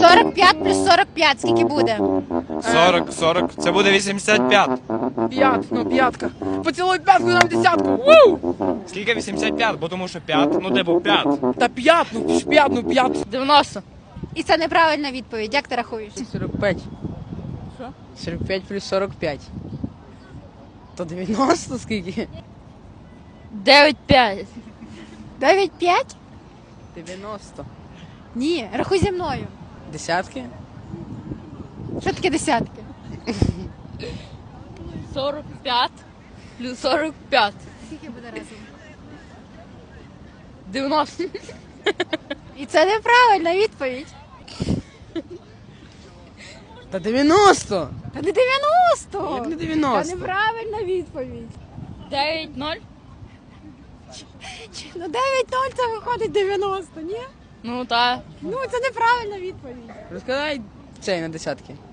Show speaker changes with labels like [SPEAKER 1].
[SPEAKER 1] 45 плюс 45, скільки буде?
[SPEAKER 2] 40. Це буде 85.
[SPEAKER 3] П'ятка. Поцілуй п'ятку, нам десятку. Ву!
[SPEAKER 2] Скільки 85? Бо тому що 5, ну типу 5.
[SPEAKER 3] Та п'ятну.
[SPEAKER 4] 90.
[SPEAKER 1] І це неправильна відповідь. Як ти рахуєш?
[SPEAKER 3] 45. Що? 45 плюс 45. То 90 скільки?
[SPEAKER 4] 9,5.
[SPEAKER 1] 9,5?
[SPEAKER 3] 90.
[SPEAKER 1] Ні, рахуй зі мною.
[SPEAKER 3] Десятки?
[SPEAKER 1] Що таке десятки?
[SPEAKER 4] 45 плюс 45.
[SPEAKER 1] Скільки буде разом?
[SPEAKER 4] 90.
[SPEAKER 1] І це неправильна відповідь.
[SPEAKER 3] Та 90!
[SPEAKER 1] Та не 90!
[SPEAKER 3] Як не
[SPEAKER 1] Та
[SPEAKER 3] 90?
[SPEAKER 1] неправильна відповідь.
[SPEAKER 4] 9,0.
[SPEAKER 1] Ну 9,0 це виходить 90, ні?
[SPEAKER 4] Ну та.
[SPEAKER 1] Ну це неправильна відповідь.
[SPEAKER 3] Розкладай цей на десятки.